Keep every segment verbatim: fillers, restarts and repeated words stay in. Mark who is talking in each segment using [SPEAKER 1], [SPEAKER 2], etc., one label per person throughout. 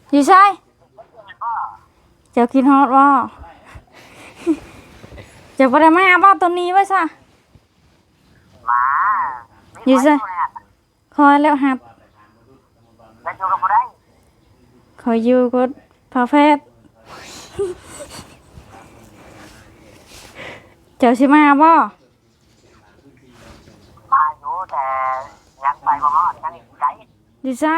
[SPEAKER 1] อยู่ใช่เจ้ากินฮอตว่าเจ้าบ่ได้มาบ้านตัวนี้ไว้ซะมาอยู่ใช่คอยแล้วหับแล้วอยู่กับบ่ได้คอยอยู่กับพาแฟดเจ้าสิมาบ่มาอยู่แต่ยังไปบ่ฮอดยังอีกไกลอยู่ใช่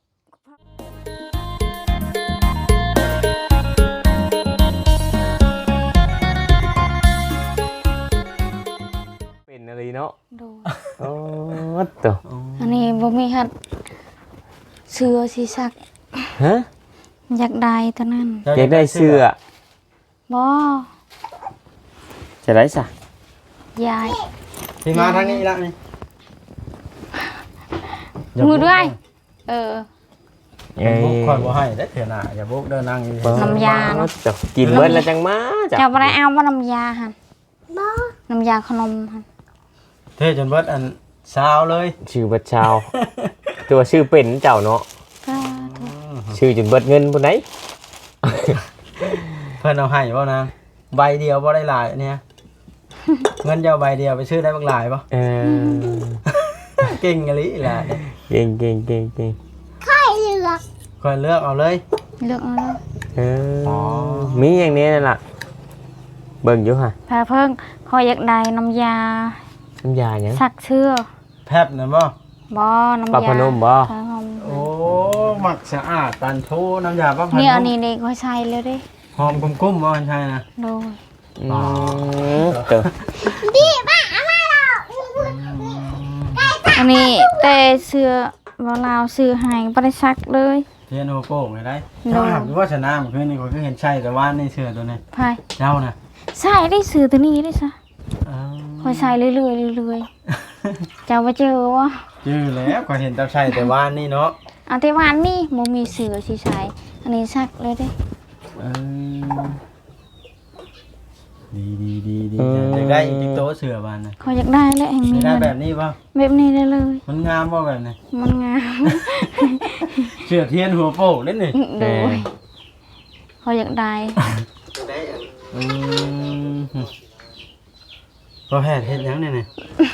[SPEAKER 2] เป็นอะไรเนาะ
[SPEAKER 1] ดู
[SPEAKER 2] โอ้ตัว
[SPEAKER 1] อันนี้บ่มีหัดเสื้อสิซัก
[SPEAKER 2] ฮะ
[SPEAKER 1] อยากได้ตัวนั้น
[SPEAKER 2] อยากได้เสื้อ
[SPEAKER 1] บ่
[SPEAKER 2] จะได้ซะ
[SPEAKER 1] ยาย
[SPEAKER 3] พี่มาทางนี้ละนี่
[SPEAKER 1] มือด้วยเออ
[SPEAKER 3] อย่าบุกคอยบ่ให้ได้เถอะน่ะอย่าบุกเดินนั่งอยู่
[SPEAKER 1] น้ำยาเนาะ
[SPEAKER 2] จ้ะกินเบิดแล้วจังมาจ้ะ
[SPEAKER 1] เจ้าบ่ได้เอาบ่น้ำยาหั่นบ่น้ำยาขนมหั่น
[SPEAKER 3] เท่จนเบิดอันเช้าเลย
[SPEAKER 2] ชื่อบัดชาว ตัวชื่อเป็นเจ้าเนาะ
[SPEAKER 1] ก็ถูก
[SPEAKER 2] ชื่อจนเบิดเงินพุ่นไหน
[SPEAKER 3] เพิ่นเอาให้บ่นางใบเดียวบ่ได้หลายอันเนี่ยเงินเจ้าใบเดียวไปซื้อได้บักหลายบ่
[SPEAKER 2] เออ
[SPEAKER 3] เก่งอีหลีหลาย
[SPEAKER 2] เก่งเก่งเก่งเก่ง
[SPEAKER 3] คอยเลือกเอาเลย
[SPEAKER 1] เลือกเอาเลย
[SPEAKER 2] เออมีอย่างนี้นั่นล่ะเบิ่งอยู่ฮะ
[SPEAKER 1] พาเพิ่งคอยอยากได้น้ำยา
[SPEAKER 2] น้ำยาหยัง
[SPEAKER 1] ซักเสื้อ
[SPEAKER 3] แพบนั่นบ่
[SPEAKER 1] บ่น้ำ
[SPEAKER 2] ปลาย
[SPEAKER 1] า
[SPEAKER 2] พนมบ่
[SPEAKER 1] พนม
[SPEAKER 3] โอ้หมักสะอาดปันโทน้ำยาป้าพัน
[SPEAKER 1] นี่อันนี้เด็กคอยใช้เลยเด้
[SPEAKER 3] หอมกุ้มๆบ่อันใช่นะ
[SPEAKER 1] โดย
[SPEAKER 2] อืมเด้อ
[SPEAKER 1] อันนี้แต่เสื้อบ่ลาวซื้อให้บ่ได้ซักเลย
[SPEAKER 3] เทียนโอโป้งไงได้
[SPEAKER 1] โน่
[SPEAKER 3] เจ้าถามดูว่าชนะมันคือนี่ก็คือเห็นใช่แต่ว่าในเสื้อตัวนี้
[SPEAKER 1] พาย
[SPEAKER 3] เจ้าน่ะ
[SPEAKER 1] ใส่ได้ซื้อตัวนี้ได้ซะ
[SPEAKER 3] อ้าว
[SPEAKER 1] คอยใส่เรื่อยๆเรื่อยๆเจ้าบ่เจอวะ
[SPEAKER 3] ชื่อแล้วก็เห็นเจ้าใช่แต่ว่านี่เนาะ
[SPEAKER 1] เอาแต่ว่านี่บ่มีเสื้อสิใช้อันนี้ซักเลยเด้
[SPEAKER 3] เออดีดีดีดีอยากได้อีกจิ๊กโต๊ะเสือบานนะ
[SPEAKER 1] ขอยอยากได้แล้วแห่ง
[SPEAKER 3] ไม่
[SPEAKER 1] นี้
[SPEAKER 3] ได้
[SPEAKER 1] มัน
[SPEAKER 3] แบบนี้ป่ะ
[SPEAKER 1] แบบนี้ได้เลย
[SPEAKER 3] มันงามป่ะแบบนี้
[SPEAKER 1] มันงาม
[SPEAKER 3] เสือเทียนหัวโป่งเล่นนี่
[SPEAKER 1] โดยขอยอยากได้
[SPEAKER 3] อืมพอแพทย์เห็นยังเนี่ยนี่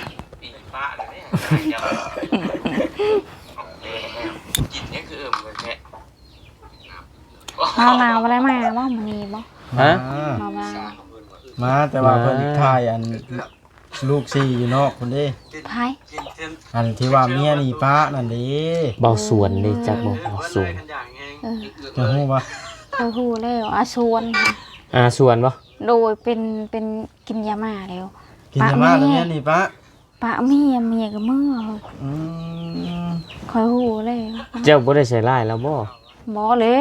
[SPEAKER 1] มาลาวบ่ได้มาบ่มื้อนี้บ่
[SPEAKER 2] ฮะ
[SPEAKER 1] มาลาว
[SPEAKER 3] มาแต่ว่าเพิ่นทายอันลูกสี่อยู่นอกคนเด้
[SPEAKER 1] ไผ
[SPEAKER 3] อันที่ว่าเมียนี่ป้านั่นเด้
[SPEAKER 2] เบาสวนเลยจักบ่เบาสวน
[SPEAKER 1] เออ
[SPEAKER 3] จะฮู้ป่ะ
[SPEAKER 1] เคยฮู้แล้วอาชวนค่ะ
[SPEAKER 2] อ่าสวนบ่
[SPEAKER 1] โดยเป็นเป็นกินยามาแล้ว
[SPEAKER 3] กินยามาแล้วเมียนี่ป้า
[SPEAKER 1] ปะเมียเมียก็มือ
[SPEAKER 3] อืม
[SPEAKER 1] คอยฮู้แล้ว
[SPEAKER 2] เจ้าบ่ได้ใส่ร้ายแล้วบ่
[SPEAKER 1] บ่แล้ว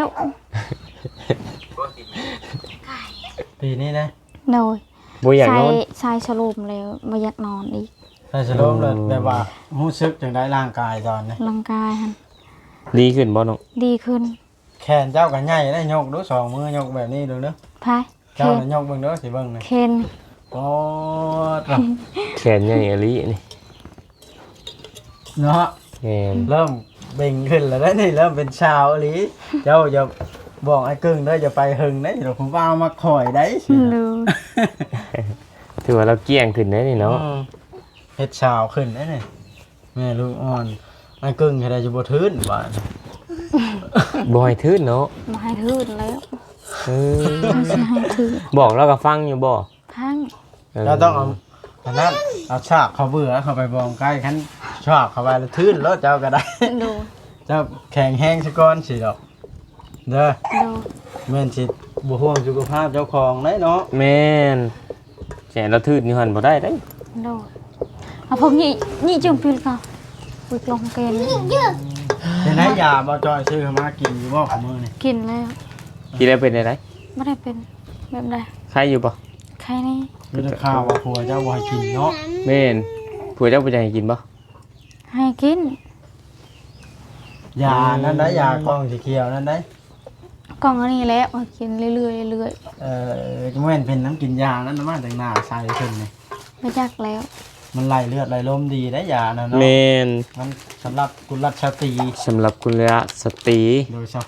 [SPEAKER 3] ปีนี้นะ
[SPEAKER 1] โดย
[SPEAKER 2] บ่อยาก
[SPEAKER 1] ใส่
[SPEAKER 2] นอน
[SPEAKER 1] ใส่สรุปแล้วบ่อยากนอนอีก
[SPEAKER 3] ใส่สโลมเลยแบบว่ารู้สึกจังได้ร่างกายตอนนี้
[SPEAKER 1] ร่างกายหั่น
[SPEAKER 2] ดีขึ้นบ่น้อง
[SPEAKER 1] ดีขึ้น
[SPEAKER 3] แขนเจ้าก็ใหญ่ได้ยกดูสองมือยกแบบนี้ดูเด้อ
[SPEAKER 1] ไผเคน
[SPEAKER 3] เจ้าน่ะยกเบิ่งเด้อสิเบิ่งนี่
[SPEAKER 1] เคน
[SPEAKER 3] โอ้ตะ
[SPEAKER 2] แขนใหญ่อลินี่
[SPEAKER 3] เนาะ
[SPEAKER 2] แม่น
[SPEAKER 3] เริ่มเบ่งขึ้นแล้วได้นี่เริ่มเป็นชาวอีหลีเจ้าอย่าบอกไอ้กึ่งเด้ออย่าไปหึงได้เดี๋ยวผมว่าเอามาข่อยได้สิ
[SPEAKER 1] ดู
[SPEAKER 2] ถือว่าเราเกลี้ยงขึ้นได้นี่เนาะ
[SPEAKER 3] อืมเฮ็ดชาวขึ้นได้นี่แม่ลูกอ่อนไอ้กึ่งเฮ็ดได้จะบ่ทื้นว่า
[SPEAKER 2] บ่ให้ทื่นเนาะ
[SPEAKER 1] มาให้ทื่นแล้ว
[SPEAKER 2] เออ
[SPEAKER 1] มาสิให้ทื่น
[SPEAKER 2] บอกเราก็ฟังอยู่บ่
[SPEAKER 1] พัง
[SPEAKER 3] เราต้องเอาอันนั้นเอาฉากเขาเบื่อเข้าไปบองใกล้คันฉากเข้าไปแล้วทื้นรถเจ้าก็ได้
[SPEAKER 1] ดู
[SPEAKER 3] เจ้าแข็งแห้งซะก่อนสิดอกเด้อ
[SPEAKER 1] ดู
[SPEAKER 3] แม่นสิบ่ห่วงสุขภาพเจ้าของได้เนาะ
[SPEAKER 2] แม่นแช่เราทื่นอยู่หั่นบ่ได้เด้
[SPEAKER 1] ดูเอาพวกนี้นี่จุ่มพิลก่อนปุกลงเกณฑ์
[SPEAKER 3] เห็นไหมยาบ่จอยซื้อเข้ามากินอยู่บ่ของมื้อนี่
[SPEAKER 1] กินแล้ว
[SPEAKER 2] กินแล้วเป็นได
[SPEAKER 1] ไม่ได้เป็นแบบใด
[SPEAKER 2] ใครอยู่บ่
[SPEAKER 1] ใครนี่
[SPEAKER 3] มีแต่ข้าวว่าผัวเจ้าบ่ให้กินเนาะ
[SPEAKER 2] แม่นผัวเจ้าบ่จะให้กินบ่
[SPEAKER 1] ให้กิน
[SPEAKER 3] ยานั่นได้ยากล้องสีเขียวนั่นได้
[SPEAKER 1] กล่องอันนี้แล้วเอากินเรื่อยๆเรื่อย
[SPEAKER 3] เอ่อจะแม่นเป็นน้ำกินยานั่นนะมาแต่งหน้าใส่ขึ้นนี่
[SPEAKER 1] ๆไม่จักแล้ว
[SPEAKER 3] มันไหลเลือดไหลลมดีได้ยานั่นเนาะ
[SPEAKER 2] แม่น
[SPEAKER 3] มันสำหรับกุลรัชตรี
[SPEAKER 2] สำหรับคุณระสตรี
[SPEAKER 3] โดยเฉพาะ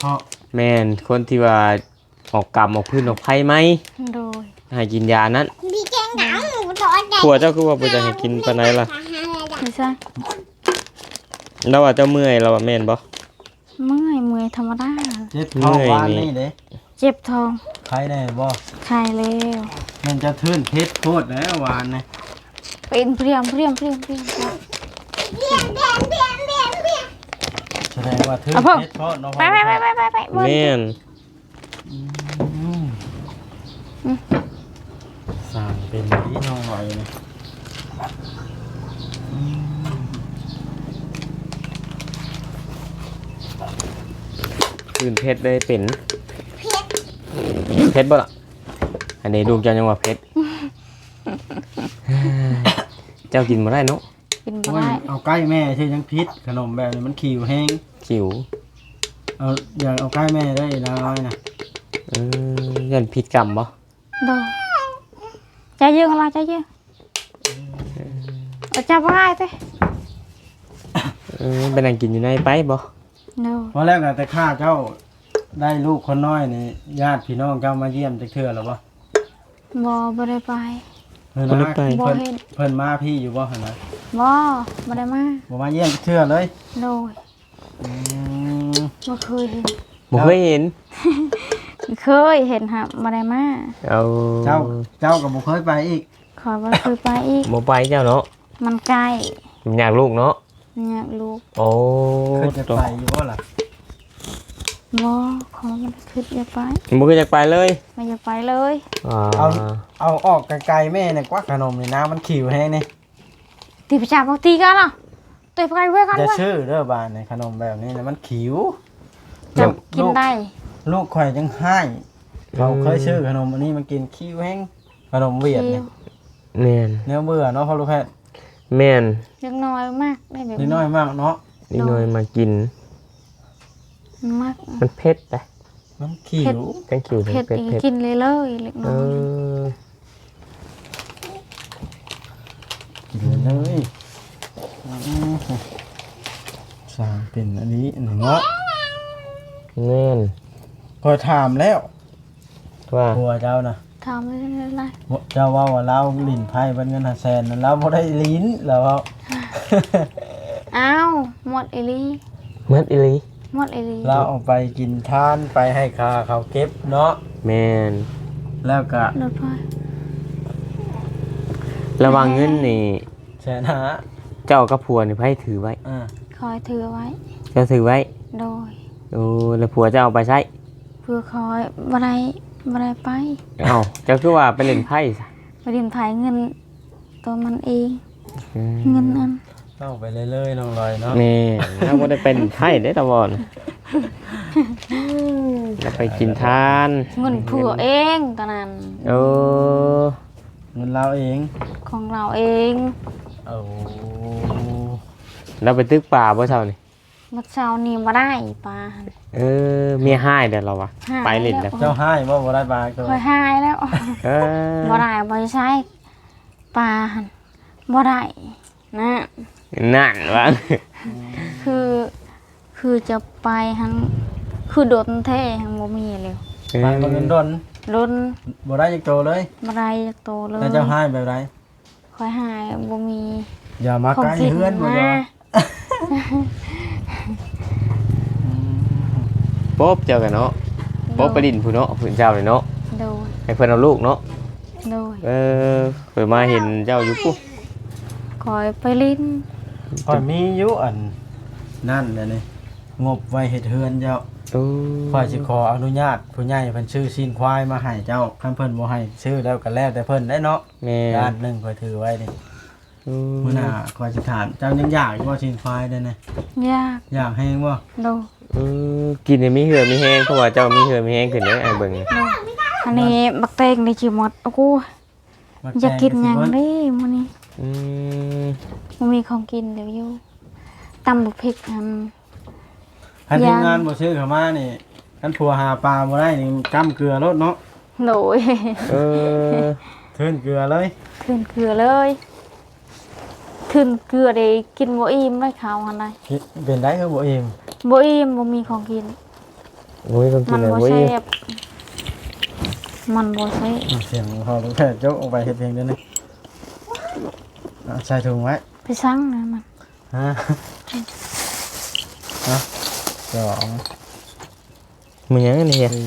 [SPEAKER 2] แม่นคนที่ว่าออกกรรมออกพื้นออกไผไหม
[SPEAKER 1] โดย
[SPEAKER 2] ให้กินยานั้น
[SPEAKER 4] bị chen đảo một thôi đây
[SPEAKER 2] ผัวเจ้าคือว่าบ่จะให้กินปานใดล่ะ
[SPEAKER 1] ไม่ใช่
[SPEAKER 2] เราว่าเจ้าเมื่อยเราว่าแม่นบ่
[SPEAKER 1] เมื่อยเมื่อยธรรมดา
[SPEAKER 3] เจ็บท้อง
[SPEAKER 2] เมื่อย
[SPEAKER 3] วาน
[SPEAKER 2] นี่
[SPEAKER 3] นี่เด้
[SPEAKER 1] เจ็บท้อง
[SPEAKER 3] ใครแน่บ่
[SPEAKER 1] ไข้แล้ว
[SPEAKER 3] มันจะทื่นเพชรโคตรแล้ววานนี่
[SPEAKER 1] เป็นเพรียมเพรียมเพรียมเพรียม
[SPEAKER 4] biển biển biển biển biển
[SPEAKER 3] แสดงว่าทื่น
[SPEAKER 1] เอาเพิ่ม
[SPEAKER 3] เพชรโคตรเนาะ
[SPEAKER 1] ไปไปไปไปไปไปเบิ่ง
[SPEAKER 2] แม่น
[SPEAKER 3] อืมสร้างเป็นที่น้องหน่อยนี่อืม
[SPEAKER 2] คืนเพชรได้เป็นเพชรบ่ล่ะอันนี้ลูกเจ้ายังว่าเพชร เจ้ากินบ่ได้เนาะ
[SPEAKER 1] กินบ่
[SPEAKER 3] โอ้ย
[SPEAKER 1] ได้
[SPEAKER 3] เอาใกล้แม่ชื่อยังพิษขนมแบบนี้มันขิวแห้ง
[SPEAKER 2] ขิว
[SPEAKER 3] เอาอยากเอาใกล้แม่ได้น้อยนะ
[SPEAKER 2] เออยันผิดกรรมบ่
[SPEAKER 1] โดยใจเย็นอะไรใจเย็นเอาจับไว้ไป
[SPEAKER 2] เออไปนั่งกินอยู่ในไปบ่
[SPEAKER 1] โดย
[SPEAKER 3] เพราะแรกแต่ข้าเจ้าได้ลูกคนน้อยนี่ญาติพี่น้องเจ้ามาเยี่ยมจักเทื่อหรอบ่
[SPEAKER 1] บ่บ่ได้ไป
[SPEAKER 3] เพิ่น
[SPEAKER 2] บ่ได้
[SPEAKER 3] มา
[SPEAKER 2] ไป
[SPEAKER 1] บ่
[SPEAKER 3] เพิ่น
[SPEAKER 1] เห็น
[SPEAKER 3] เพิ่นมาพี่อยู่บ่หั่นน่ะ
[SPEAKER 1] บ่บ่ได้มา
[SPEAKER 3] บ่มาเยี่ยมจักเทื่อเลย
[SPEAKER 1] โดย
[SPEAKER 3] อืม
[SPEAKER 1] บ่เคยเห็น
[SPEAKER 2] บ่เคยเห็น
[SPEAKER 1] เคยเห็นฮะบ่ได้มา
[SPEAKER 2] เอา
[SPEAKER 3] เจ้าเจ้าก็บ่เคยไปอีก
[SPEAKER 1] ขอบ่เคยไปอีก
[SPEAKER 2] บ่ไปเจ้าเนาะ
[SPEAKER 1] มันใกล้
[SPEAKER 2] อยากลูกเนาะ
[SPEAKER 1] อยากลูก
[SPEAKER 2] โอ้
[SPEAKER 3] เคยจะไปอยู่บ่ล่ะ
[SPEAKER 1] บ่ขอมันคิดอย่าไป
[SPEAKER 2] บ่เคยอยากไปเลย
[SPEAKER 1] ไม่อย่าไปเลย
[SPEAKER 2] อ่า
[SPEAKER 3] เอาเอาออกไกลๆแม่นี่กว่าขนมนี่นะมันขิวแห้งนี่
[SPEAKER 1] ตีประชาบตีกันเหรอตีไปไว้กัน
[SPEAKER 3] จะ
[SPEAKER 1] ไว้
[SPEAKER 3] ชื่อเด้อบานในขนมแบบนี้นะมันขิว
[SPEAKER 1] จะกินได้
[SPEAKER 3] ลูกข่อยจังให้เราเคยชื่อขนมอันนี้มันกินขิวแห้งขนมเวียดนี่
[SPEAKER 2] แม่น
[SPEAKER 3] เนื้อเบื่อเนาะพ่อลูกแพทย์
[SPEAKER 2] แม่น
[SPEAKER 1] ยังน้อยมากได้แบบ
[SPEAKER 3] นิดน้อยมากเนาะ
[SPEAKER 2] นิดหน่อยมากิน
[SPEAKER 1] มาก
[SPEAKER 2] มันเผ็ดไป
[SPEAKER 3] มันขิ
[SPEAKER 1] เผ็ด
[SPEAKER 3] ว
[SPEAKER 2] ทั้งคิวทั้ง
[SPEAKER 1] เผ็ด
[SPEAKER 2] เผ็ด
[SPEAKER 1] อีก
[SPEAKER 2] เผ็ด
[SPEAKER 1] กินเลยเลยเล็ก
[SPEAKER 2] เอ
[SPEAKER 1] น้อย
[SPEAKER 2] อ
[SPEAKER 3] กินเลยอืมสร้างเป็นอันนี้อันนี้เนาะ
[SPEAKER 2] แม่น
[SPEAKER 3] คอยถามแล้ว
[SPEAKER 2] ว่า
[SPEAKER 3] ผัวเจ้านะ
[SPEAKER 1] ทำไม่ได้ไร
[SPEAKER 3] เจ้าว่าว่าเราลิ้นไพ่เป็นเงินหาแสนนั่นเราบ่ได้ลิ้นแล้วเอา
[SPEAKER 1] อ้าวหมดเอลี
[SPEAKER 2] เมื่ออีหลี
[SPEAKER 1] หมดเอลี
[SPEAKER 3] เราเอาไปกินทานไปให้ค่าเขาเก็บเนาะ
[SPEAKER 2] แม่น
[SPEAKER 3] แล้วก็
[SPEAKER 1] รถไฟ
[SPEAKER 2] ระวังเงินนี่
[SPEAKER 3] แสนหา
[SPEAKER 2] เจ้ากับผัวนี่ไผถือไว้
[SPEAKER 3] อ่า
[SPEAKER 1] คอยถือไว้
[SPEAKER 2] เจ้าถือไว้
[SPEAKER 1] โดย
[SPEAKER 2] โอ้แล้วผัวจะเอาไปใช้
[SPEAKER 1] เพื่อคอยบ่ได้บ่ได้ไป
[SPEAKER 2] เอ้าเจ้าคือว่าไปเล่นไพ่ซะ
[SPEAKER 1] ไปดิมถ่ายเงินตัวมันเอง
[SPEAKER 2] อืม
[SPEAKER 1] เงินอัน
[SPEAKER 3] เข้าไปเรื่อยๆน้องลอยเนาะ
[SPEAKER 2] แม่เราบ่ได้เป็นไพ่ได้ตะวอนเราไปกินทาน
[SPEAKER 1] เงินผัวเองตอนนั้น
[SPEAKER 2] โอ้
[SPEAKER 3] เงินเราเอง
[SPEAKER 1] ของเราเอง
[SPEAKER 3] เอา
[SPEAKER 2] เราไปตึกป่าบ่เท่านี่
[SPEAKER 1] เมื่อเช้านี้บ่ได้ปลาหั่น
[SPEAKER 2] เออเมียให้เด้อเราวะ
[SPEAKER 1] หาย
[SPEAKER 2] ไปเล่นแล้ว
[SPEAKER 3] เจ้าให้บ่บ่ได้บาตัว
[SPEAKER 1] คอยหายแล้ว
[SPEAKER 2] เออ
[SPEAKER 1] บ่ได้บ่ใช้ปลาหั่นบ่ได้นะ
[SPEAKER 2] นั่นวะ
[SPEAKER 1] คือ คือจะไปหันคือโดนแท้หันบ่มีเลย
[SPEAKER 3] ไปบ่เงินดน
[SPEAKER 1] โดน
[SPEAKER 3] บ่ได้จักโตเลย
[SPEAKER 1] บ่ได้จักโตเลย
[SPEAKER 3] แล้วเจ้าให้แบบไร
[SPEAKER 1] คอยหายบ่มี
[SPEAKER 3] อย่ามา
[SPEAKER 1] ของ
[SPEAKER 3] ใกล้
[SPEAKER 1] กิน
[SPEAKER 3] เฮือนบ่
[SPEAKER 1] มา
[SPEAKER 3] บ่
[SPEAKER 2] ป๊บเจอกันเนาะป๊บไปดินผู้เนาะผู้เจ้าเลยเนาะ
[SPEAKER 1] โดน
[SPEAKER 2] ให้เพิ่นเอาลูกเนาะ
[SPEAKER 1] โดน
[SPEAKER 2] เออเพิ่นมาเห็นเจ้าอยู่ปุ๊บ
[SPEAKER 1] คอยไปลิ้น
[SPEAKER 3] ข่อยมีอยู่อันนั่นแหละนี่งบไว้เฮ็ดเฮือนเจ้า
[SPEAKER 2] โอ้
[SPEAKER 3] ข่อยสิขออนุญาตผู้ใหญ่เพิ่นชื่อซีนควายมาให้เจ้าคันเพิ่นบ่ให้ชื่อแล้วก็แล้วแต่เพิ่นได้เนาะ
[SPEAKER 2] แม่
[SPEAKER 3] ด้านหนึงข่อยถือไว้นี่
[SPEAKER 2] อื
[SPEAKER 3] มื้อหน้าข่อยสิถามเจ้ายังอยากอยู่บ่ซีนควายได้นะ
[SPEAKER 1] ยาก
[SPEAKER 3] อยากแฮงบ่
[SPEAKER 1] โดน
[SPEAKER 2] เออกินเนี่ยมีเหือมีแห้งเพราะว่าเจ้ามีเหือมีแห้งขึ้นเด้อไอ้เบิ่ง
[SPEAKER 1] โดนอันนี้บักเตงนี่สิหมดโอ้โห
[SPEAKER 3] มั
[SPEAKER 1] อยากกินหยัง
[SPEAKER 3] แจ
[SPEAKER 1] เด้มื้อนี้
[SPEAKER 2] อืม
[SPEAKER 1] บ่มีของกินเดี๋ยวอยู่ตำบักพริกหั่น
[SPEAKER 3] คันทีมงานบ่ชื่อเข้ามานี่คันผัวหาปลาบ่ได้นี่จ้ำเกลือรสเนาะ
[SPEAKER 1] โดย
[SPEAKER 2] เออ
[SPEAKER 3] ทื่นเกลือเลย
[SPEAKER 1] ขึ้นเกลือเลยขึ้นเกลือได้กินบ่อิ่มได้ข้าวหั่นได้
[SPEAKER 3] เป็นได้คือบ่อิ่ม
[SPEAKER 1] บ่อิ่มบ่มีของกิน
[SPEAKER 2] โอ้ยต้องกิ
[SPEAKER 1] มัน น
[SPEAKER 2] เลย
[SPEAKER 1] บ่
[SPEAKER 2] โอ้ย
[SPEAKER 1] แซ่บมันบ่แซ่บ
[SPEAKER 3] เสียงพอต้องแพทย์ยกออกไปเฮ็ดเพลงเดี๋ยวนี้เอาใส่ถุงไว้
[SPEAKER 1] ไปสั่งนะมัน
[SPEAKER 3] ฮะฮะสอง
[SPEAKER 2] มันยังไงเนี่ย
[SPEAKER 3] สี่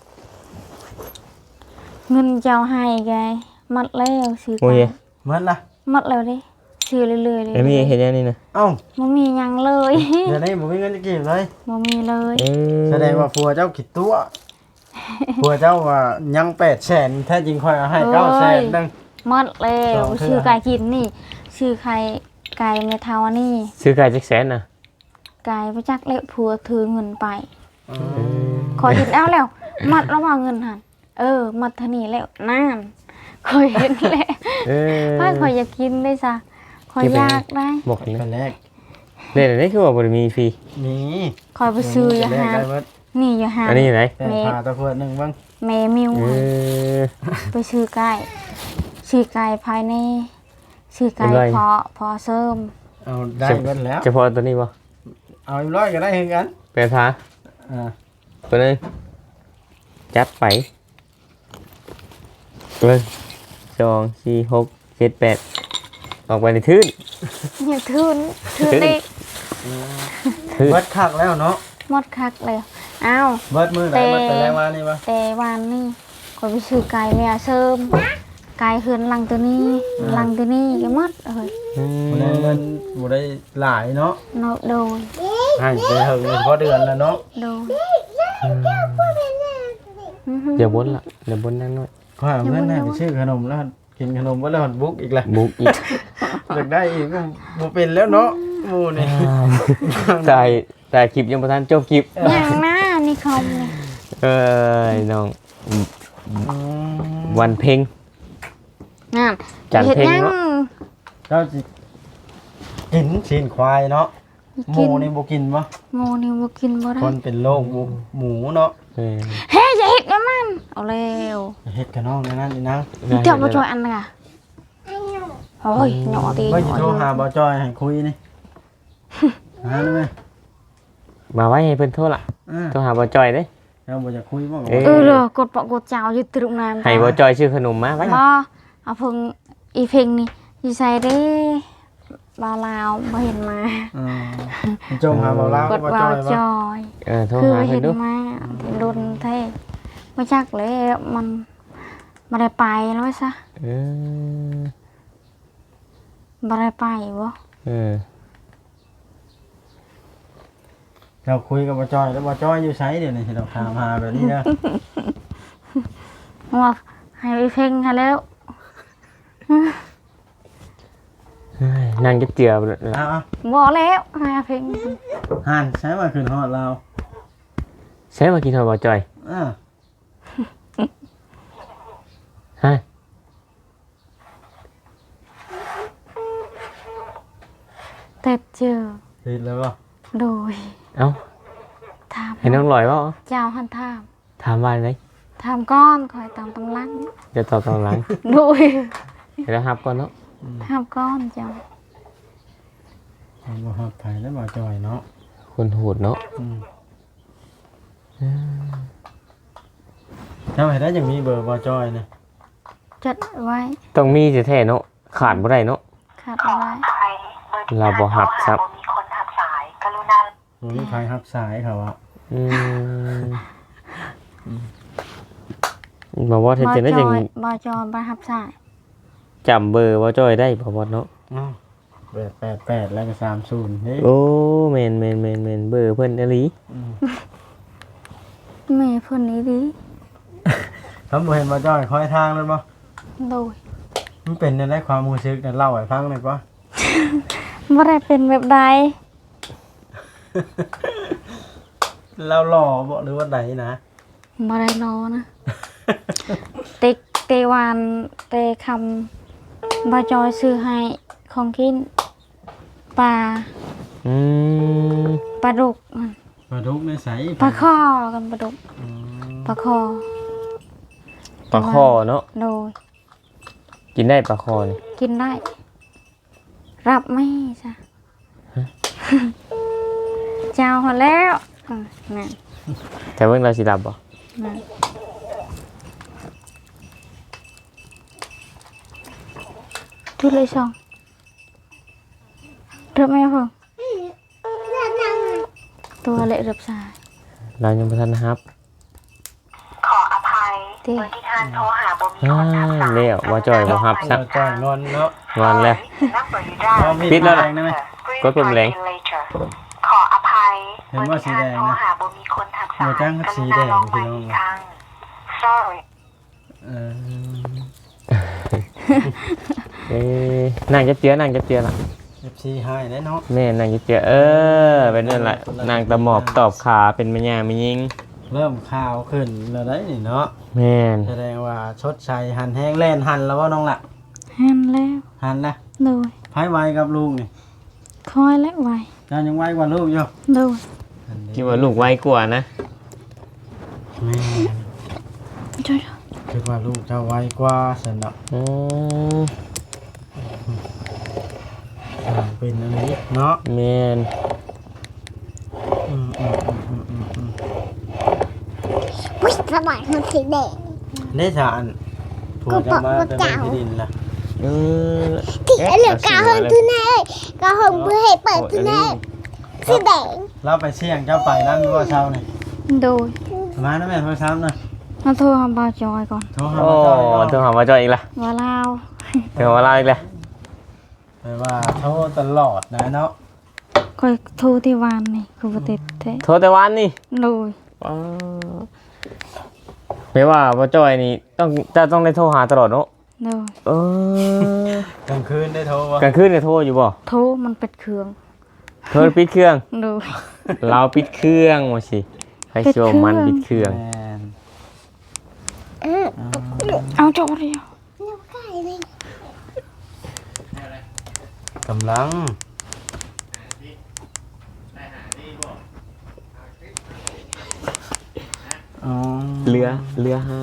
[SPEAKER 1] เงินเจ้าให้ไงมัดแล้วซื้อ
[SPEAKER 2] โอ้
[SPEAKER 1] กั
[SPEAKER 2] ย
[SPEAKER 1] น
[SPEAKER 3] หมันละ
[SPEAKER 1] มัดแล้วเด้ซื้อเรื่อยๆเลย
[SPEAKER 2] ไอ้มีเห็นยังนี่นะ
[SPEAKER 3] เอ้า
[SPEAKER 1] บ่มีหยังเลย
[SPEAKER 3] เดี๋ยวนี้ผมมีเงินจะกินเลย
[SPEAKER 1] บ่มีเลย
[SPEAKER 2] เออ
[SPEAKER 3] แสดงว่าผัวเจ้าขิดตัวผัวเจ้าว่ายังแปดแสนแท้จริงค่อยเอาให้เก้าแสนนึง
[SPEAKER 1] มัดแล้ว
[SPEAKER 3] สองเทื่อ
[SPEAKER 1] ซื้อไก่กินนี่ซื้อไข่ไก่เมทาวนี่
[SPEAKER 2] ซื้อไก่จักแสนน่ะ
[SPEAKER 1] ไก่บ่จักแล้วผัวถือเงินไป
[SPEAKER 3] อืม
[SPEAKER 1] ขอเห็นแล้วแล้ว มัดแล้วว่าเงินหันเออ มัดเท่านี้แล้วนั่นคอยเห็นแล้ว
[SPEAKER 2] เออ
[SPEAKER 1] ถ้าคอยอยากกินได้ซะคอย
[SPEAKER 2] กินไป
[SPEAKER 1] อยากได้
[SPEAKER 2] บอก
[SPEAKER 3] ไป
[SPEAKER 2] นะ
[SPEAKER 3] แรก
[SPEAKER 2] เนี่ยเดี๋ยวนี้คือว่าบ่ได้มีฟรี
[SPEAKER 3] มี
[SPEAKER 1] คอยไปซื้ออย่า
[SPEAKER 3] แรก
[SPEAKER 1] หา
[SPEAKER 3] ได้เบิด
[SPEAKER 1] นี่อย่าหา
[SPEAKER 2] อันนี้ไหน
[SPEAKER 3] แต่พาตะเพื่อนหนึ่งบ้าง
[SPEAKER 1] แม่มิว
[SPEAKER 2] เออ
[SPEAKER 1] ไปซื้อไก่ซื้อไก่ภายในซื้อไก่
[SPEAKER 2] เรียบร้อย
[SPEAKER 1] พอพอเสริม
[SPEAKER 3] เอาได้เบิดแล้ว
[SPEAKER 2] เฉพาะตัวนี้บ่
[SPEAKER 3] เอาอีกร้อยก็ได้เหมือนกัน
[SPEAKER 2] แปดพา
[SPEAKER 3] อ่า
[SPEAKER 2] ตัวนึงจัดไปหนึ่งสองสี่หกเจ็ดแปดออกไปในทื่น
[SPEAKER 1] อย่าทืนทืน
[SPEAKER 2] ทื่น
[SPEAKER 1] อีก
[SPEAKER 2] ทื่น
[SPEAKER 3] เบิดคักแล้วเนาะ
[SPEAKER 1] หมดคักเลยอ้าว
[SPEAKER 3] เบิดมือไหน
[SPEAKER 1] แต่
[SPEAKER 3] เบิดแต่แรงมานี่ปะ
[SPEAKER 1] แต่วันนี้คอยไปซื้อไก่แม่เสริมไก่เฮือนหลังตัวนี้หลังตัวนี้ก็หมดเอ้ย
[SPEAKER 2] อื
[SPEAKER 3] บ่ได้
[SPEAKER 2] ม
[SPEAKER 3] เงินบ่ได้หลายเนาะ
[SPEAKER 1] เนาะโดย
[SPEAKER 3] ให้ไปเฮิงเลยเพราะเดือนแล้วเนาะ
[SPEAKER 1] โดย
[SPEAKER 2] เดี๋ยวบนละเดี๋ยวบนนั่งหน่อย
[SPEAKER 3] ขอเอาเงินให้ไปซื้อขนมแล้วกินขนมบ่แล้วบุกอีกแล้ว
[SPEAKER 2] บุกอีก
[SPEAKER 3] อยากได้อีกก็บ่เป็นแล้วเนาะหมู่นี่
[SPEAKER 2] แต่แต่คลิปยังประทานจบคลิป
[SPEAKER 1] อย่างหน้านี่คอมเลย
[SPEAKER 2] เอ้ยน้อง
[SPEAKER 3] อืม
[SPEAKER 2] วันเพ็ง
[SPEAKER 1] งาน
[SPEAKER 2] จันทร์
[SPEAKER 1] ฮ็ด
[SPEAKER 2] เพ็ง
[SPEAKER 1] หยัง
[SPEAKER 2] เนาะ
[SPEAKER 3] เจ้าสิกินชิ้นควายเนาะหมูนี่บ่กินบ่
[SPEAKER 1] โมนี่บ่กินบ่ได้
[SPEAKER 3] คนเป็นโรคหมูหมูเนาะ
[SPEAKER 2] เออ
[SPEAKER 1] เฮ้ยอย่าเฮ็ดกับมันเอาเร็ว
[SPEAKER 3] เฮ็ดกับน้องในนั้นนี่นะ
[SPEAKER 1] เดี๋ยวมาช่วยอันน่ะโอ้ยหนอตีห
[SPEAKER 3] ว่าน สิ
[SPEAKER 1] อ
[SPEAKER 3] โทรหาบ่จอยให้คุยนี่หาได้ไหม
[SPEAKER 2] มาไว้ให้เพิ่นโทษละ
[SPEAKER 3] อ่า
[SPEAKER 2] โทรหาบ่จอยเด้
[SPEAKER 3] เราบ่จะคุยบ่
[SPEAKER 2] เอ้ย
[SPEAKER 1] เออเด้อกดปะกดเจ้าอยู่ตรึกน้ำ
[SPEAKER 2] ให้บ่จอยชื่อขนมมาไว้
[SPEAKER 1] บ่เอาเพิ่งอีเพ่งนี่สิใส่เด้บ่าวลาวบ่เห็นมา
[SPEAKER 3] อืมจงหาบ่ลาว
[SPEAKER 1] กด
[SPEAKER 3] บ่
[SPEAKER 1] ว่า
[SPEAKER 3] จ
[SPEAKER 1] ว
[SPEAKER 3] อยบ่
[SPEAKER 1] จอย
[SPEAKER 2] เออโทร
[SPEAKER 1] คือ
[SPEAKER 2] หา
[SPEAKER 1] เห็
[SPEAKER 2] เพิ่น
[SPEAKER 1] น
[SPEAKER 2] ดู
[SPEAKER 1] มาที่รุนแท้บ่จักเลยมันบ่ได้ไปแล้วซะ
[SPEAKER 2] เออ
[SPEAKER 1] บ่ได้ไปบ่
[SPEAKER 2] เออ
[SPEAKER 3] เราคุยกับบ่จอยแล้วบ่จอยอยู่ไสเดี๋ยวนี้เราถามหาแบบนี้นะ
[SPEAKER 1] ว่าให้อีเพ่งหาแล้ว
[SPEAKER 2] เฮ้ยนั่งจะเจือบ่ล่ะ
[SPEAKER 3] เอา
[SPEAKER 1] บ่แล้วให้อีเพ่ง
[SPEAKER 3] ๆห่านใช้ว่าขึ้นฮอดเรา
[SPEAKER 2] ใช้มากินทอดบ่จอย
[SPEAKER 3] อ่า
[SPEAKER 2] ฮะ
[SPEAKER 1] แต่เจอ
[SPEAKER 3] ติดแล้วบ่
[SPEAKER 1] โดย
[SPEAKER 2] เอ้า
[SPEAKER 1] ถาม
[SPEAKER 2] ให้น้องลอยบ่
[SPEAKER 1] เจ้าหันถาม
[SPEAKER 2] ถามว่าได
[SPEAKER 1] ถามก้อนคอยตามตังหลัง
[SPEAKER 2] เดี๋ยวตอบตอนหลัง
[SPEAKER 1] โดย
[SPEAKER 2] เดี๋ยวรับก่อนเนาะ
[SPEAKER 1] ถามก้อนเจ้า
[SPEAKER 3] เอาบ่ฮับไผแล้วบ่จอยเนาะ
[SPEAKER 2] คนโหดเนาะ
[SPEAKER 3] อืมทำไมได้ยังมีเบอร์บ่จอยเนี่ย
[SPEAKER 1] จดไว้
[SPEAKER 2] ต้องมีแท้ๆเนาะขาดบ่ได้เนาะ
[SPEAKER 1] ขาดเอาไว้
[SPEAKER 2] เราบ่หับครับ
[SPEAKER 5] มีคนหับสายกรุณา
[SPEAKER 3] บ่มีใครรับสายเขาว่า
[SPEAKER 2] อืมบอกว่าเธอจะได้
[SPEAKER 1] จ
[SPEAKER 2] ยัง
[SPEAKER 1] อยบอจอยบาหับสาย
[SPEAKER 2] จำเบอร์ว่าจ้อยได้พอบอเนาะ
[SPEAKER 3] อ้าวแปดแปดแปดแล้วก็สามศูนย์เฮ้ย
[SPEAKER 2] โอ้แมนแมนแมนแมนเบอร์เพิ่นอหลี
[SPEAKER 3] อืม
[SPEAKER 1] แม่เพิ่นนี้ดี
[SPEAKER 3] ทำบ่เห็นบ่จอยคอยทางเลยบ่
[SPEAKER 1] โดย
[SPEAKER 3] มันเป็นในได้ความรู้สึกเนี่ยเล่าให้ฟังหน่อยป่ะ
[SPEAKER 1] บ่ได้เป็นแบบใด
[SPEAKER 3] เราหล่อบ่หรือว่าใดนะ
[SPEAKER 1] บ่ได้รอนะเตกเตวานเตคำบาจอยซื้อให้ของกินปลา
[SPEAKER 2] อืม
[SPEAKER 1] ปลาดุกอะ
[SPEAKER 3] ปลาดุกในใส
[SPEAKER 1] ปลาคอกันปลาดุก
[SPEAKER 3] อืม
[SPEAKER 1] ปลาคอ
[SPEAKER 2] ปลาคอเนาะ
[SPEAKER 1] โดย
[SPEAKER 2] กินได้ปลาคอนี่
[SPEAKER 1] กินได้ รับไม่จ้ะเจ้าหอแล้วอ่ะนั่น
[SPEAKER 2] แต่เบิ่งเราสิรับบ่
[SPEAKER 1] นะทุเลยช่องเริ่มไหมพ่อตัวเละเริ่มสาย
[SPEAKER 2] เรายังบ่ทันรับ
[SPEAKER 5] ขออภัยเบอร์ที่ท่านโทรหาบ่มี
[SPEAKER 2] อ่า
[SPEAKER 5] คนรับสาย
[SPEAKER 2] แล้วบ่จ่อยบ่รับซัก
[SPEAKER 3] จ้อยงอนเนาะ
[SPEAKER 2] งอนแล้ว
[SPEAKER 5] Number you dialed
[SPEAKER 3] เอามีด
[SPEAKER 2] ปิดแล้ว
[SPEAKER 3] แร
[SPEAKER 2] ล่ะ
[SPEAKER 3] งได้ไหม
[SPEAKER 2] กดปุ่มแรง
[SPEAKER 5] later ขออภัย
[SPEAKER 3] เห็นว่าสีแดงนะ
[SPEAKER 5] เบอร์ที่ท่านโทรหาบ่มีคนรับสาย
[SPEAKER 3] หัวจ้างก็สีแดง
[SPEAKER 5] กรุณาลองใหม่
[SPEAKER 3] พี่น้อง
[SPEAKER 5] อีกครั้ง Sorry
[SPEAKER 3] เออ
[SPEAKER 2] เอ้ยนางจับเจือนางจับเจือล่ะ
[SPEAKER 3] เอฟซีให้ได้เนาะ
[SPEAKER 2] แม่นางจับเจือเออเป็นนั่นแหละนางตะหมอบตอบขาเป็นแม่ย่าแม่ยิง
[SPEAKER 3] เริ่มข่าวขึ้นแล้วได้นี่เนาะ
[SPEAKER 2] แม่น
[SPEAKER 3] แสดงว่าชดชัยหันแห้งแล่นหันแล้วว่าน้องละ
[SPEAKER 1] หันแล้ว
[SPEAKER 3] หันนะ
[SPEAKER 1] โดย
[SPEAKER 3] ไพ่ไวกับลูกนี่
[SPEAKER 1] คอยและไว
[SPEAKER 3] เจ้ายังไวกว่าลูกอยู่
[SPEAKER 1] โดย
[SPEAKER 2] คิดว่าลูกไวกว่านะ
[SPEAKER 3] แม่
[SPEAKER 1] ช่วย
[SPEAKER 3] คิดว่าลูกเจ้าไวกว่าสนเนาะ
[SPEAKER 2] อืม
[SPEAKER 3] อ่าเป็นอะไรเนาะ
[SPEAKER 2] แม่น
[SPEAKER 3] อืมอืมอืมอืมอืมอืม
[SPEAKER 4] วิ่งสบายมันสีแดง
[SPEAKER 3] ได้ทานผัวจะมาจะได้ที่ดินล่ะ
[SPEAKER 2] เออ
[SPEAKER 4] ที่เหลือกาหงทุนให้กาหงเพื่อให้เปิดทุนให้สีแดง
[SPEAKER 3] เราไปเสี่ยงเจ้าไปนั่นว่าเช้านี่
[SPEAKER 1] โดย
[SPEAKER 3] มานะแม่โทรศัพท์นะ
[SPEAKER 1] มาโทรหาบ่าวจอยก่อน
[SPEAKER 3] โทรหา
[SPEAKER 2] โอ้
[SPEAKER 3] มาจอยก่อน
[SPEAKER 2] โทรหามาจอยอีกละ
[SPEAKER 1] ว่าลาว
[SPEAKER 2] โทรหาเราอีกละ
[SPEAKER 3] แปลว่าโทรตลอดนะเนาะ
[SPEAKER 1] คอยโทรที่วานนี่คือบ่ติดแท้
[SPEAKER 2] โทรแต่วันนี่
[SPEAKER 1] โดย
[SPEAKER 2] อ๋อแปลว่ามาจอยนี่ต้องจะต้องได้โทรหาตลอดเนาะ
[SPEAKER 1] โดย
[SPEAKER 2] เออก
[SPEAKER 3] ลางคืนได้โทรบ่
[SPEAKER 2] กลางคืนเนี่ยโทรอยู่บ่
[SPEAKER 1] โทรมันเป็ดเครื่อง
[SPEAKER 2] โทรปิดเครื่อง
[SPEAKER 1] โดย
[SPEAKER 2] เราปิดเครื่องมาสิให้ชัวามันปิดเครื่อง
[SPEAKER 3] แม่น
[SPEAKER 4] เออ
[SPEAKER 1] เอาจบเดียว
[SPEAKER 4] น้ำไก่เลย
[SPEAKER 3] กำลังอ๋อ
[SPEAKER 2] เรือเรือห้า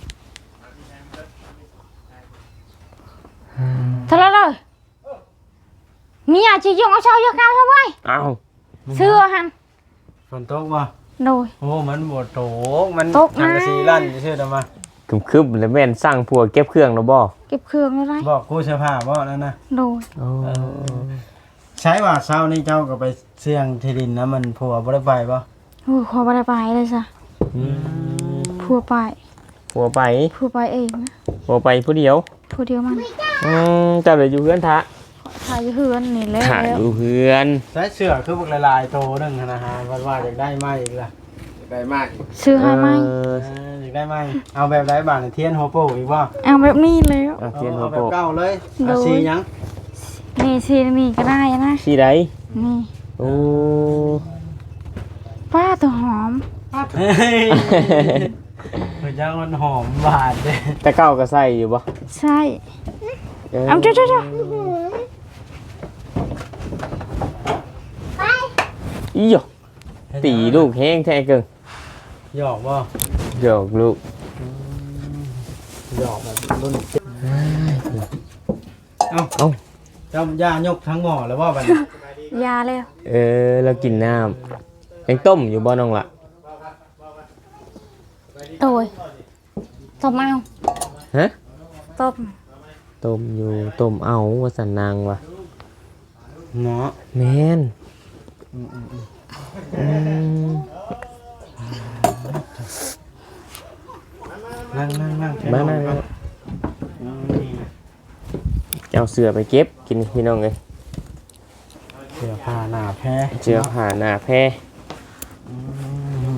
[SPEAKER 1] เท่าไรเลยมีอาชีพยังเอาเช่ายกเอาทำไม
[SPEAKER 2] อ้าว
[SPEAKER 1] เสื้อหัน
[SPEAKER 3] ฝนตกบ่
[SPEAKER 1] โดย
[SPEAKER 3] โอ้มันบ่ตกมัน
[SPEAKER 1] ตกนะ
[SPEAKER 3] ทางกระสีลั่นชื่อดมา
[SPEAKER 2] คึมคึมๆแล้วแม่นสร้างผัวเก็บเครื่องแล้วบ่
[SPEAKER 1] เก็บเครื่องอะไร
[SPEAKER 3] บอกกู้เสื้อผ้าบ่นั่นนะ
[SPEAKER 1] โดย
[SPEAKER 2] โอ้
[SPEAKER 3] ใช้ว่าเช้านี้เจ้าก็ไปเสี่ยงที่ดินนะมันผัวบ่ได้ไปบ่
[SPEAKER 1] โอ้ขอไปไปเลยจ้ะ
[SPEAKER 2] อืม
[SPEAKER 1] ผัวไป
[SPEAKER 2] ผัวไป
[SPEAKER 1] ผัวไปเองนะ
[SPEAKER 2] ผัวไปผู้เดียว
[SPEAKER 1] ผัวเดียวมัน
[SPEAKER 2] อืมเจ้าเลยอยู่เพื่อนทะ
[SPEAKER 1] ถ่ายอยู่เฮือนนี่แหล้ว
[SPEAKER 2] ถ่ายอยู่เพื่อน
[SPEAKER 3] ใช้เสื้อคือพวกลายๆโตหนึงนะฮะว่าว่าอยากได้ไหมอีกล่ะอยากได้ไหม
[SPEAKER 1] ซื้อให้ไหม
[SPEAKER 2] เออ
[SPEAKER 3] เอออยากได้ไหมเอาแบบไรบ้านเทียนหัวโปกอีกบ่
[SPEAKER 1] เอาแบบนี้แล้ว
[SPEAKER 2] เอาเทียนหัว
[SPEAKER 3] เอาแบ
[SPEAKER 2] โป
[SPEAKER 3] บ
[SPEAKER 2] ก
[SPEAKER 3] เก่าเลย
[SPEAKER 1] โด
[SPEAKER 3] เอา
[SPEAKER 1] ย
[SPEAKER 3] สีหยัง
[SPEAKER 1] นี่สีนี่ก็ได้นะ
[SPEAKER 2] ที่ใด
[SPEAKER 1] นี่
[SPEAKER 2] โอ้
[SPEAKER 1] ป้าตัวหอม
[SPEAKER 3] เฮ้ยเฮ้ยยังมันหอมหวานเด้
[SPEAKER 2] แต่เก้าก็ใส่อยู่บ่
[SPEAKER 1] ใช่เอาเจ้าเจ้าเจ้า
[SPEAKER 4] ไป
[SPEAKER 2] อีหยกตีลูกแห้งแท้เกิง
[SPEAKER 3] หยอกบ่
[SPEAKER 2] หยอกลูก
[SPEAKER 3] หยอกแบบรุ่นเจ็บเอา
[SPEAKER 2] เอ้า
[SPEAKER 3] เจ้าย่ายกทั้งหม้อแล้วว่าบัดนี้
[SPEAKER 1] ยาแล้ว
[SPEAKER 2] เออเรากินน้ำยังต้มอยู่บ่น้องล่ะ
[SPEAKER 1] โดยต้มเอา
[SPEAKER 2] ฮะ
[SPEAKER 1] ต้ม
[SPEAKER 2] ต้มอยู่ต้มเอาว่าสันนางว่ะ
[SPEAKER 3] เนาะ
[SPEAKER 2] แมน
[SPEAKER 3] อืมอืมอืม
[SPEAKER 2] อืม
[SPEAKER 3] นั่งนั่งนั่ง
[SPEAKER 2] มามามา
[SPEAKER 3] อืม
[SPEAKER 2] เอาเสือไปเก็บกินพี่น้องเลย
[SPEAKER 3] เสื้อผ้าหน้าแพ้
[SPEAKER 2] เชือผ่าหน้าแพร่
[SPEAKER 3] อืม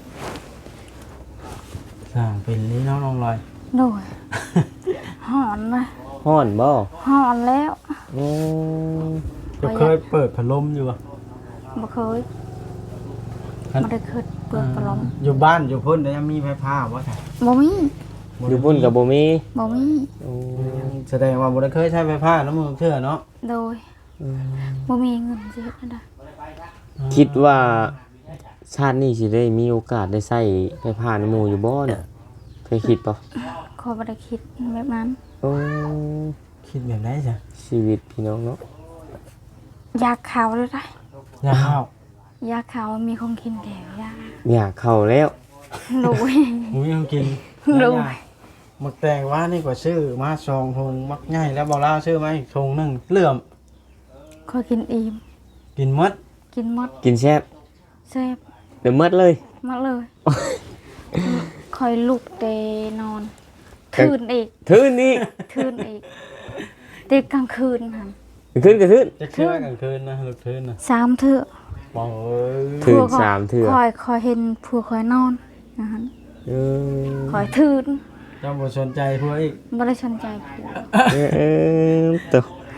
[SPEAKER 3] สร้างเป็นนี้เน้องน้องลอย
[SPEAKER 1] โดยหอนนะ
[SPEAKER 2] ห้อนบ่
[SPEAKER 1] หอนแล้ว
[SPEAKER 2] อืม
[SPEAKER 3] จะเคยเปิดพัดลมอยู่ป่ะ
[SPEAKER 1] บ่เคยไม่ได้เคยเปลือกปลอม
[SPEAKER 3] อยู่บ้านอยู่พุ่นแต่ยังมีไฟฟ้าบ่ใช่
[SPEAKER 1] บ่มี
[SPEAKER 2] อยู่พุ่นกับบ่มี
[SPEAKER 1] บ่มี
[SPEAKER 2] โอ้
[SPEAKER 3] แสดงว่าบ่ได้เคยใช้ไฟฟ้าแล้วมึงเชื่อเนาะ
[SPEAKER 1] โดยบ่มีเงินสิเฮ็ดได้
[SPEAKER 2] คิดว่าชาตินี้สิได้มีโอกาสได้ใส่ไฟผ่านหมู่อยู่บ่เนี่ยเคยคิดป่ะ
[SPEAKER 1] ขอบ่ได้คิดแบบนั้น
[SPEAKER 2] โอ้
[SPEAKER 3] คิดแบบไหนจ้ะ
[SPEAKER 2] ชีวิตพี่น้องเนาะ
[SPEAKER 1] อยากข่าวเลยได้
[SPEAKER 3] อยากเข้า
[SPEAKER 1] ยาขาวมีคงกินแถวยา
[SPEAKER 2] อยากเข้าแล้ว
[SPEAKER 1] ดู
[SPEAKER 3] หมูยังกิน
[SPEAKER 1] รู้
[SPEAKER 3] ยากๆหมักแตงว่านี่ก็ชื่อมาซองทงมักง่ายแล้วบ่ลาวชื่อมาอีกทงหนึงเหลื่อม
[SPEAKER 1] คอยกินอิ่ม
[SPEAKER 3] กินหมด
[SPEAKER 1] กินหมด
[SPEAKER 2] กินแซ่บ
[SPEAKER 1] แซ่บ
[SPEAKER 2] เดี๋ยวหมดเลย
[SPEAKER 1] หมาเลยคอยลุกเตนอนคืนอีก
[SPEAKER 2] ทื่นอีก
[SPEAKER 1] คืนอีกตีกลางคืนค่ะ
[SPEAKER 2] ทื่นก็ทื่น
[SPEAKER 3] จะเชื่อกลางคืนนะลูกคืนนะ
[SPEAKER 1] สามเถอะ
[SPEAKER 3] บอกเอ้ย
[SPEAKER 2] ทื่น
[SPEAKER 1] ผัว
[SPEAKER 2] สามเทื่อ
[SPEAKER 1] คอยคอยเห็นผัวคอยนอนนะฮะ
[SPEAKER 2] เออ
[SPEAKER 1] คอยทืน
[SPEAKER 3] เจ้าบ่สนใจพวกอีก
[SPEAKER 1] ไม่ได้สนใจผัว
[SPEAKER 2] เออเออตัว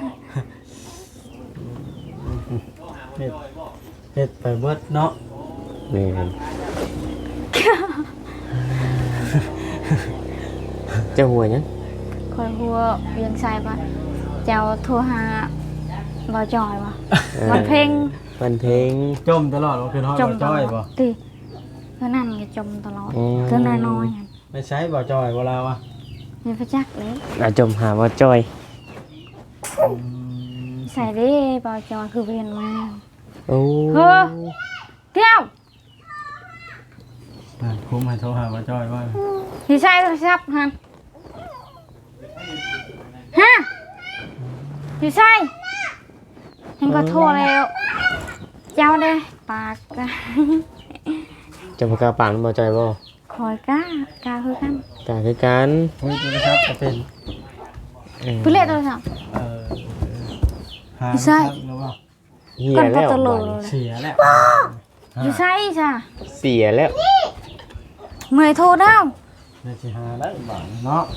[SPEAKER 3] เฮ็ดเฮ็ดไปเบิดเนาะ
[SPEAKER 2] แม่นเจ้าหัวยัง
[SPEAKER 1] คอยหัวเวียงใส่ปะเจ้าโทรหาบอจอยวะวันเพ่ง
[SPEAKER 2] วันเพลง
[SPEAKER 3] จมตลอดว่าคือฮอด
[SPEAKER 1] จ
[SPEAKER 3] บ่
[SPEAKER 1] มต
[SPEAKER 3] จ้
[SPEAKER 1] ล
[SPEAKER 3] อ
[SPEAKER 1] อย ด
[SPEAKER 3] บ่
[SPEAKER 1] ตีก็นั่นก็จมตลอด
[SPEAKER 2] อืม
[SPEAKER 1] ก็น้อยๆอะ
[SPEAKER 3] ไม่ใช้บ่จ้อยบ่ลาวอ่ะ
[SPEAKER 1] มีพระจักเลย
[SPEAKER 2] อาจมหาว่าจอย
[SPEAKER 1] ใส่ได้บอจอยคือเวียนมา
[SPEAKER 2] โอ้
[SPEAKER 1] เฮ้อ เที่ยว
[SPEAKER 3] อ่าคุ้มให้โทรหาบ่จ้อยว่า
[SPEAKER 1] ที่ใส่โทรศัพท์ฮะฮะที่ใส่เห็นก็โทรแล้วเจ้าเด้ปากกะ
[SPEAKER 2] จะพกาปังมาจอยบ่
[SPEAKER 1] คอยกากาคือกัน
[SPEAKER 2] กาคือกัน
[SPEAKER 3] คุยโทรศัพท์ก็เป็น
[SPEAKER 2] เออ
[SPEAKER 1] เพื่อเล่นโทรศัพท์
[SPEAKER 3] เอ่อหา
[SPEAKER 1] ไม่ใช่
[SPEAKER 3] หรือว่า
[SPEAKER 2] เหี้ยแล้ว
[SPEAKER 1] ก่อนปัตตโล
[SPEAKER 2] บัด
[SPEAKER 1] เล
[SPEAKER 2] นี้
[SPEAKER 1] ย
[SPEAKER 3] เสียแล้ว
[SPEAKER 1] ที่ใส่จ้ะ
[SPEAKER 2] เสียแล้ว
[SPEAKER 1] เมื่อยโทรดาว
[SPEAKER 3] เดี๋ยวสิหาได้บ่เนาะ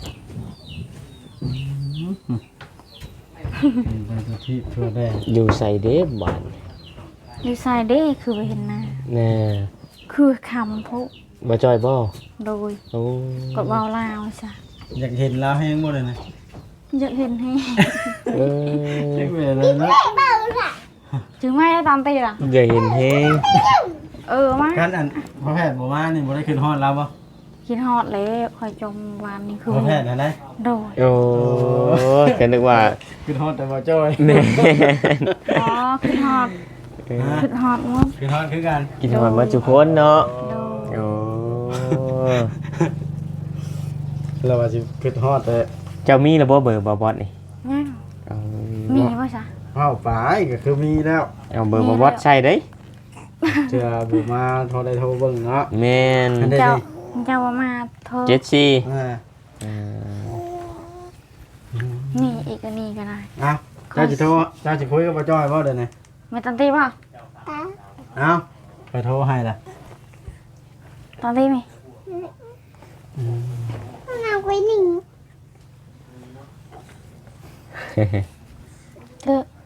[SPEAKER 3] เป็นตัวที่เพื่อแดง
[SPEAKER 2] อยู่ใส่เด้บาน
[SPEAKER 1] อยู่ใส่เด้คือไปเห็นหน้า
[SPEAKER 2] แน่
[SPEAKER 1] คือคำพุ
[SPEAKER 2] มาจอยบ่
[SPEAKER 1] โดย
[SPEAKER 2] โอ้
[SPEAKER 1] กดเบาลาวจ้ะ
[SPEAKER 3] อยากเห็นลาวแห้งบ่เลยนะ
[SPEAKER 1] อยากเห็นให้
[SPEAKER 2] เออ
[SPEAKER 3] เจ๊กเวเลยเนาะ
[SPEAKER 1] ถึงไม่ได้ตามตีหรอ
[SPEAKER 2] อย่าเห็นแฮง
[SPEAKER 1] เออมา
[SPEAKER 3] กันอันพ่อแพทย์บอกว่านี่บ่ได้ขึ้นฮอดแล้วบ่
[SPEAKER 1] คิดฮอดเลยคอยจมวันนี้คือ
[SPEAKER 3] พ่อแพทย์นะนะ
[SPEAKER 1] โดย
[SPEAKER 2] โอ้ก็นึกว่า
[SPEAKER 3] ขึ้นฮอดแต่บ่จ้อย
[SPEAKER 2] แม่น
[SPEAKER 1] อ๋อคิดฮอด
[SPEAKER 2] เออ
[SPEAKER 1] คิดฮอดมั้ง
[SPEAKER 3] ขึ้นฮอดคือกัน
[SPEAKER 2] กินหวานมาจุคนเนาะ
[SPEAKER 1] โดย
[SPEAKER 2] โอ้
[SPEAKER 3] เราว่าสิขึ้นฮอดแต่
[SPEAKER 2] เจ้ามีระบบเบอร์บ่บอสนี่
[SPEAKER 1] งั้น
[SPEAKER 2] เอา
[SPEAKER 1] มีป่ะจ๊ะ
[SPEAKER 3] เฮาไปก็คือมีแล้ว
[SPEAKER 2] เอาเบอร์บ่บอสใช่เด้ย
[SPEAKER 3] เชื่อบ่มาโทรได้โทรเบิ่งเนาะ
[SPEAKER 2] แม่น
[SPEAKER 3] อันใด
[SPEAKER 1] เจ้าเจ้าว่ามาโทร
[SPEAKER 2] เจ็ดสี่
[SPEAKER 3] อ่า
[SPEAKER 2] อ่า
[SPEAKER 1] นี่อีกอันนี้ก็ได้
[SPEAKER 3] เอ้าเจ้าสิโทรเจ้าสิคุยกับบ่จ้อยบ่เดี๋ยวนี้
[SPEAKER 1] ไม่ตันตีป่ะ
[SPEAKER 3] เอ้าไปโทรให้ล่ะ
[SPEAKER 1] ตันตีไหม
[SPEAKER 4] เอาไว้หนึ่ง
[SPEAKER 1] เธอ